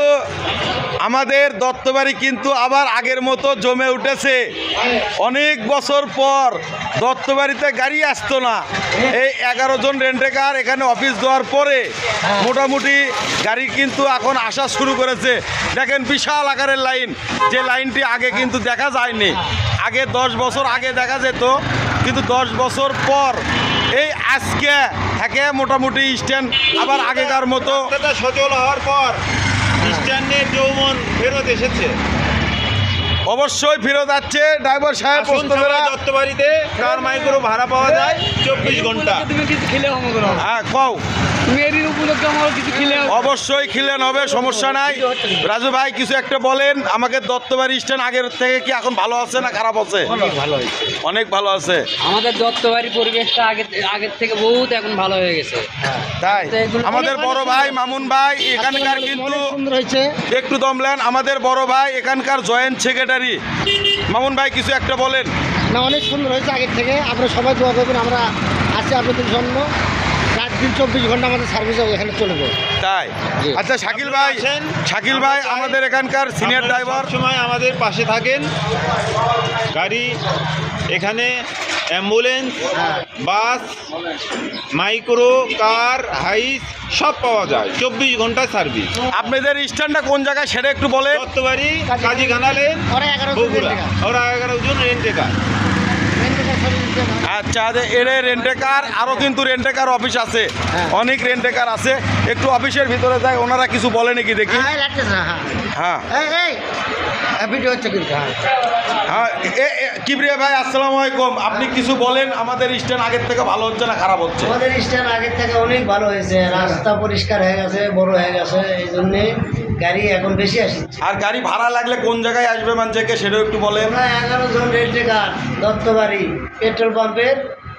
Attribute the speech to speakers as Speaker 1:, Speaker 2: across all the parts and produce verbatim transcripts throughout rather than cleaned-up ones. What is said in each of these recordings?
Speaker 1: আমাদের দত্তবাড়ি কিন্তু আবার আগের মতো জমে উঠেছে। অনেক বছর পর দত্তবাড়িতে গাড়ি আসতো না। এই এগারো জন রেন্টেকার এখানে অফিস দেওয়ার পরে মোটামুটি গাড়ি কিন্তু এখন আসা শুরু করেছে। দেখেন বিশাল আকারের লাইন, যে লাইনটি আগে কিন্তু দেখা যায়নি। আগে দশ বছর আগে দেখা যেত, কিন্তু দশ বছর পর এই আজকে থেকে মোটামুটি স্ট্যান্ড আবার আগেকার মতো
Speaker 2: সচল হওয়ার পর স্ট্যান্ডের যৌবন ফেরত এসেছে।
Speaker 1: অবশ্যই ফেরত যাচ্ছে। ড্রাইভার সাহেব
Speaker 2: দত্তবাড়িতে কার মাইক্রো ভাড়া পাওয়া যায় চব্বিশ ঘন্টা।
Speaker 3: তুমি কিছু খেলে
Speaker 1: হ্যাঁ কও
Speaker 3: মেরির উপলক্ষে আমার কিছু খেলে
Speaker 1: অবশ্যই খিলেন হবে, সমস্যা নাই। রাজু ভাই কিছু একটা বলেন আমাকে। দত্তবাড়ি স্ট্যান্ড আগের থেকে কি এখন ভালো আছে না খারাপ আছে?
Speaker 3: অনেক ভালো হয়েছে,
Speaker 1: অনেক ভালো আছে।
Speaker 3: আমাদের দত্তবাড়ি পরিবেশটা আগে আগের থেকে বহুত এখন ভালো হয়ে গেছে।
Speaker 1: তাই আমাদের বড় ভাই মামুন ভাই এখানকার কিন্তু
Speaker 3: সুন্দর হয়েছে।
Speaker 1: একটু দমলেন আমাদের বড় ভাই এখানকার জয়েন্ট সেক্রেটারি মামুন ভাই কিছু একটা বলেন।
Speaker 4: না, অনেক সুন্দর হয়েছে আগের থেকে। আপনারা সবাই দোয়া করবেন, আমরা আছি আপনাদের জন্য। রাত দিন চব্বিশ ঘন্টা আমাদের সার্ভিস এখানে চলবে।
Speaker 1: তাই আচ্ছা শাকিল ভাই, শাকিল ভাই আমাদের এখানকার সিনিয়র ড্রাইভার,
Speaker 2: সময় আমাদের পাশে থাকেন। গাড়ি এখানে অ্যাম্বুলেন্স, বাস, মাইক্রো, কার, হাইস সব পাওয়া যায়। চব্বিশ ঘন্টা সার্ভিস।
Speaker 1: আপনাদের স্ট্যান্ডটা কোন জায়গায় সেটা একটু বলেন।
Speaker 2: দত্তবাড়ি কাজী খানালেন
Speaker 4: ওরা এগারো জন
Speaker 2: বগুড়া।
Speaker 4: রেন্টেকার।
Speaker 2: ওরা এগারো জন রেন্টেকার।
Speaker 1: আচ্ছা এর রেন্টেকার আরও কিন্তু রেন্টেকার অফিস আছে, অনেক রেন্টেকার আছে। একটু অফিসের ভিতরে যায়, ওনারা কিছু বলে নাকি দেখি।
Speaker 4: হ্যাঁ লাগতেছে না।
Speaker 1: হ্যাঁ
Speaker 4: হ্যাঁ এই এই ভিডিও হচ্ছে কিন্তু। হ্যাঁ
Speaker 1: হ্যাঁ এ- এ- কিবরিয়া ভাই আসসালামু আলাইকুম। আপনি কিছু বলেন আমাদের স্ট্যান্ড আগের থেকে ভালো হচ্ছে না খারাপ হচ্ছে?
Speaker 4: আমাদের স্ট্যান্ড আগের থেকে অনেক ভালো হয়েছে। রাস্তা পরিষ্কার হয়ে গেছে, বড় হয়ে গেছে, এই জন্যে গাড়ি এখন বেশি আসছে।
Speaker 1: আর গাড়ি ভাড়া লাগলে কোন জায়গায় আসবে মানুষকে সেটাও একটু বলেন।
Speaker 4: আমরা এগারো জন রেন্টেকার দত্তবাড়ি পেট্রোল পাম্পের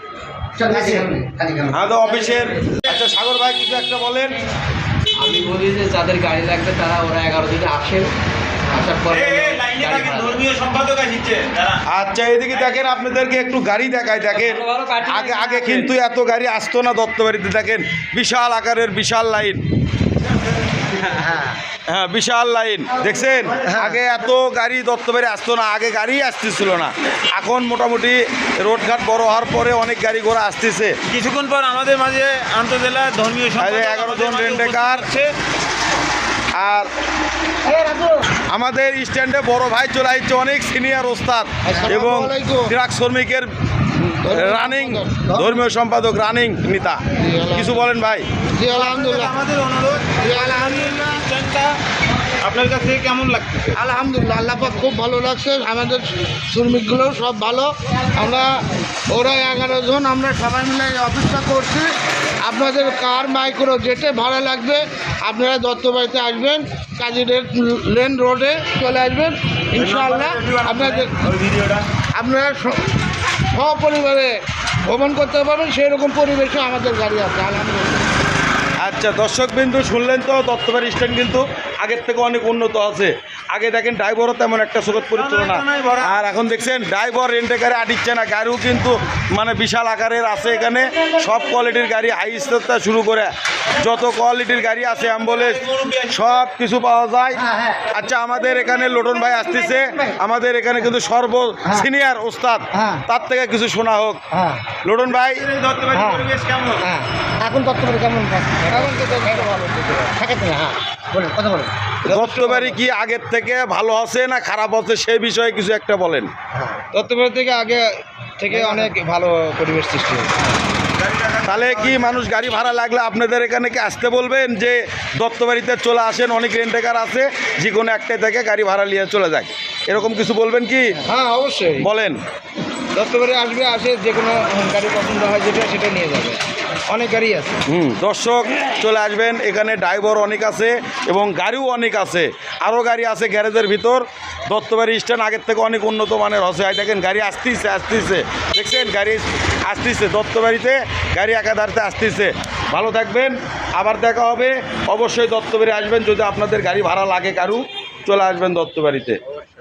Speaker 1: হ্যাঁ তো অফিসের। আচ্ছা সাগর ভাই কিছু একটা বলেন।
Speaker 3: আমি বলি যে যাদের গাড়ি লাগবে তারা ওরা এগারো দিনে আসেন, আসার পরে গাড়ি ভাড়া
Speaker 2: ধর্মীয় সম্পাদক আসছে।
Speaker 1: আচ্ছা এদিকে দেখেন আপনাদেরকে একটু গাড়ি দেখায়। দেখেন আগে আগে কিন্তু এত গাড়ি আসতো না দত্তবাড়িতে। দেখেন বিশাল আকারের বিশাল লাইন। হ্যাঁ বিশাল লাইন দেখছেন। আগে এত গাড়ি দত্তবাড়ি আসতো না, আগে গাড়ি আসতেছিল না। এখন মোটামুটি রোডঘাট বড় হওয়ার পরে অনেক গাড়ি ঘোড়া আসতেছে।
Speaker 2: কিছুক্ষণ পর আমাদের মাঝে আন্তজেলা ধর্মীয় সম্পাদক
Speaker 1: এগারো জন রেন্টেকার আর আমাদের স্ট্যান্ডে বড় ভাই চলে আসছে, অনেক সিনিয়র ওস্তাদ এবং ট্রাক শ্রমিকের রানিং ধর্মীয় সম্পাদক, রানিং নেতা। কিছু বলেন ভাই।
Speaker 4: জি আলহামদুলিল্লাহ।
Speaker 2: আমাদের অনুরোধ স্ট্যান্ডটা আপনার কাছে কেমন লাগতেছে?
Speaker 4: আলহামদুলিল্লাহ, আল্লাহ পাক খুব ভালো লাগছে। আমাদের শ্রমিকগুলো সব ভালো। আমরা ওরা এগারো জন আমরা সবাই মিলে এই অফিসটা করছি। আপনাদের কার মাইক্রো যেতে ভাড়া লাগবে আপনারা দত্তবাড়িতে আসবেন, কাজী লেন রোডে চলে আসবেন ইনশাআল্লাহ। আপনাদের আপনারা স- সপরিবারে ভ্রমণ করতে পারবেন, সেই রকম পরিবেশে আমাদের গাড়ি আছে আলহামদুলিল্লাহ।
Speaker 1: আচ্ছা দর্শক বিন্দু শুনলেন তো, দত্তবাড়ি স্ট্যান্ড কিন্তু আগের থেকে অনেক উন্নত আছে। আগে দেখেন ড্রাইভারও তেমন একটা সুগত পরিচিত না, আর এখন দেখছেন ড্রাইভার রেন্টেকারে আটিচ্ছে না। গাড়িও কিন্তু মানে বিশাল আকারের আছে এখানে, সব কোয়ালিটির গাড়ি, হাই স্টার শুরু করে যত কোয়ালিটির গাড়ি আছে, অ্যাম্বুলেন্স সব কিছু পাওয়া যায়। আচ্ছা আমাদের এখানে লোটন ভাই আসতেছে, আমাদের এখানে কিন্তু সর্ব সিনিয়র ওস্তাদ, তার থেকে কিছু শোনা হোক।
Speaker 4: হ্যাঁ
Speaker 1: লোটন ভাই
Speaker 2: দত্তবাড়ি পরিবেশ কেমন?
Speaker 4: হ্যাঁ এখন দত্তবাড়ি কেমন এখন তো ভালো থাকে তো। হ্যাঁ বলেন, কথা বলেন।
Speaker 1: দত্তবাড়ি কি আগের থেকে ভালো আছে না খারাপ আছে সেই বিষয়ে কিছু একটা বলেন।
Speaker 2: দত্তবাড়ি থেকে আগে থেকে অনেক ভালো পরিবেশ সৃষ্টি হয়েছে।
Speaker 1: তাহলে কি মানুষ গাড়ি ভাড়া লাগলে আপনাদের এখানে কি আসতে বলবেন যে দত্তবাড়িতে চলে আসেন, অনেক রেন্টেকার আছে, যে কোনো একটাই থেকে গাড়ি ভাড়া নিয়ে চলে যায়, এরকম কিছু বলবেন কি?
Speaker 2: হ্যাঁ অবশ্যই
Speaker 1: বলেন।
Speaker 2: দত্তবাড়ি আসবে, আসে যে কোনো গাড়ি পছন্দ হয় যেটা সেটা নিয়ে যাবে। অনেক গাড়ি আছে।
Speaker 1: হুম দর্শক চলে আসবেন, এখানে ড্রাইভার অনেক আছে এবং গাড়িও অনেক আছে, আরও গাড়ি আছে গ্যারেজের ভিতর। দত্তবাড়ি স্ট্যান্ড আগের থেকে অনেক উন্নত মানের হচ্ছে। আর দেখেন গাড়ি আসতেছে আসতেছে দেখছেন গাড়ি আসতেছে, দত্তবাড়িতে গাড়ি একাধারতে আসতেছে। ভালো থাকবেন, আবার দেখা হবে। অবশ্যই দত্তবাড়ি আসবেন, যদি আপনাদের গাড়ি ভাড়া লাগে কারু চলে আসবেন দত্তবাড়িতে।